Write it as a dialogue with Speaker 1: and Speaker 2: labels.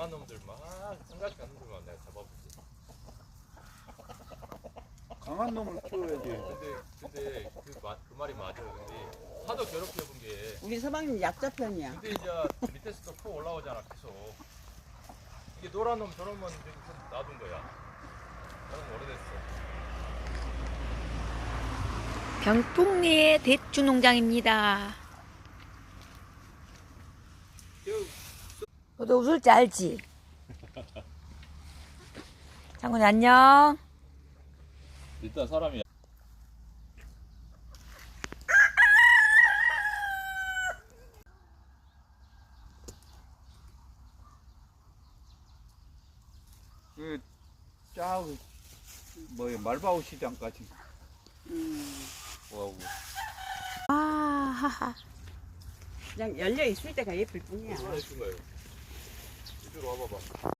Speaker 1: 강한 놈들만, 생각이 안 놈들만 내가 잡아보지.
Speaker 2: 강한 놈을 키워야지.
Speaker 1: 근데 그 말이 맞아. 근데 하도 괴롭혀본 게.
Speaker 3: 우리 서방님 약자 편이야.
Speaker 1: 근데 이제 밑에서 또 퍼 올라오잖아 계속. 이게 노란 놈 저런 건 지금 놔둔 거야. 나는 오래됐어.
Speaker 4: 병풍리의 대추 농장입니다. 너도 웃을 줄 알지? 장군이 안녕.
Speaker 1: 일단 사람이
Speaker 2: 그, 뭐야, 말바우 시장까지.
Speaker 1: 뭐하고.
Speaker 4: 아하하.
Speaker 3: 그냥 열려 있을 때가 예쁠 뿐이야.
Speaker 1: 얼마나 예쁜 거예요. 이쪽으로 와봐봐.